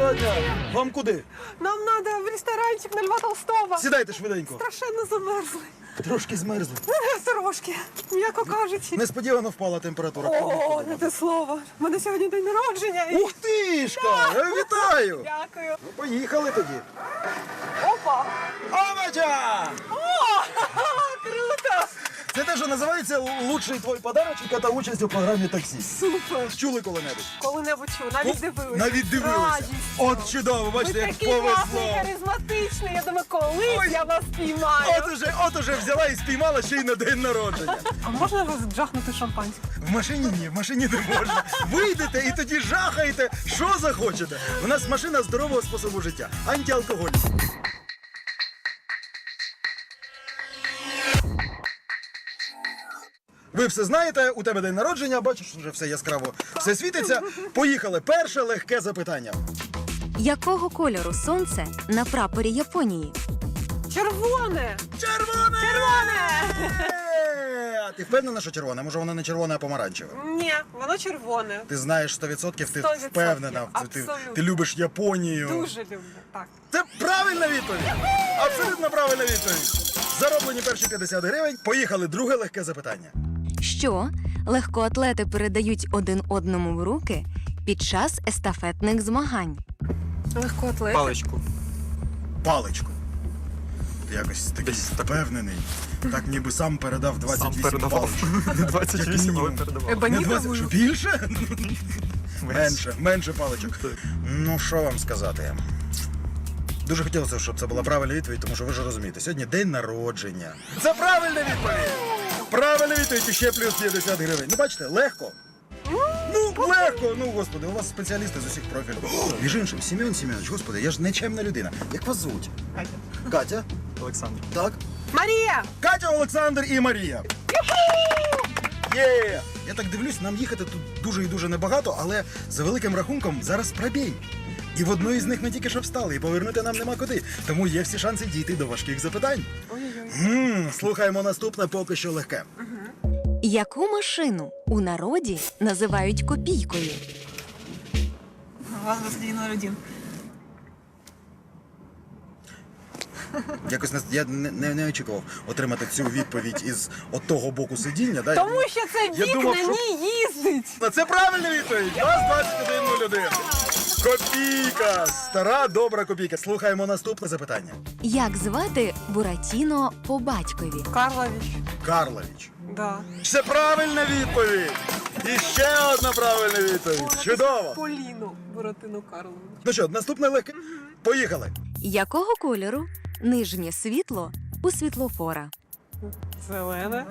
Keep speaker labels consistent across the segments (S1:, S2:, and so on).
S1: Доброго дня. Вам куди?
S2: Нам надо в ресторанчик на Льва Толстого.
S1: Сідайте швиденько.
S2: Страшенно замерзли.
S1: Трошки змерзли.
S2: Трошки, м'яко кажучи.
S1: Несподівано впала температура.
S2: О, не те слово. У мене сьогодні день народження. і-
S1: Ух тишка! Вітаю!
S2: Дякую.
S1: Ну, поїхали тоді.
S2: Опа.
S1: Овоча!
S2: О, круто.
S1: Це те, що називається «Лучший твій подарочок» та участь у програмі «Таксі».
S2: Супер.
S1: Чули коли-небудь?
S2: Коли-небудь чув, навіть дивилися.
S1: Навіть дивилися.
S2: Радістю.
S1: От чудово,
S2: Ви
S1: бачите, як
S2: такий класний,
S1: повезло.
S2: харизматичний. Я думаю, колись
S1: Ой.
S2: я вас піймаю.
S1: От уже взяла і спіймала ще й на день народження.
S2: А можна вас джахнути шампанське?
S1: В машині ні, в машині не можна. Вийдете і тоді жахаєте, що захочете. У нас машина здорового способу життя, антиалкоголь. Ви все знаєте, у тебе день народження, бачиш, вже все яскраво, все світиться. Поїхали. Перше легке запитання.
S3: Якого кольору сонце на прапорі Японії?
S2: Червоне.
S1: Червоне!
S2: Червоне.
S1: А ти впевнена, що червоне? Може, воно не червоне, а помаранчеве?
S2: Ні, воно червоне.
S1: Ти знаєш 100%, ти
S2: 100%,
S1: впевнена. Ти
S2: абсолютно.
S1: любиш Японію.
S2: Дуже люблю. Так.
S1: Це правильна відповідь! Абсолютно правильна відповідь! Зароблені перші 50 гривень. Поїхали. Друге легке запитання.
S3: Що легкоатлети передають один одному в руки під час естафетних змагань?
S2: Легкоатлет.
S4: Паличку.
S1: Паличку. Ти якось такий впевнений. Так ніби сам передав 28
S4: Сам передавав.
S1: паличок.
S4: 28, але
S1: Як
S4: передавав.
S1: Не 20,
S2: Ебонітову.
S1: що більше? Менше паличок. Ну, що вам сказати? Дуже хотілося, щоб це була правильна відповідь, тому що ви ж розумієте, сьогодні день народження. Це правильна відповідь! Правильна відповідь і ще плюс 50 гривень. Ну, бачите, легко. Ну, легко! Ну, господи, у вас спеціалісти з усіх профілів. Між іншим, Сім'ян Сім'янович, господи, я ж нечемна людина. Як вас звуть?
S2: Катя.
S1: Катя?
S4: Олександр.
S1: Так?
S2: Марія!
S1: Катя, Олександр і Марія. Є! Я так дивлюсь, нам їхати тут дуже і дуже небагато, але за великим рахунком зараз пробій. І в одної з них ми тільки що встали, і повернути нам нема куди. Тому є всі шанси дійти до важких запитань.
S2: Ой-ой-ой.
S1: Слухаємо наступне, поки що легке.
S3: Яку машину у народі називають копійкою?
S2: У вас день один.
S1: Якось я не очікував отримати цю відповідь із от того боку сидіння. Да?
S2: Тому що це
S1: Я
S2: вік
S1: думав,
S2: на
S1: що-
S2: ній їздить.
S1: Ну, це правильна відповідь. Нас 21:01. Копійка. Стара, добра копійка. Слухаємо наступне запитання.
S3: Як звати Буратіно по батькові?
S2: Карлович.
S1: Карлович.
S2: Да.
S1: Це правильна відповідь. І ще одна правильна відповідь. Чудово.
S2: Поліну Буратину Карлович.
S1: Ну що, наступне легке. Поїхали.
S3: Якого кольору нижнє світло у світлофора?
S2: Зелене.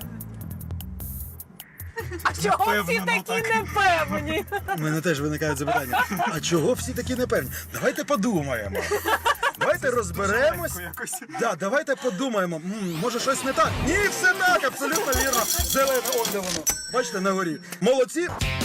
S2: А чого всі
S1: Напевно,
S2: такі
S1: так.
S2: непевні?
S1: У мене теж виникають запитання. А чого всі такі непевні? Давайте подумаємо. Давайте розберемось. Да, давайте подумаємо. Може щось не так? Ні, все так, абсолютно вірно. Зелене, он де воно. Бачите, на горі. Молодці.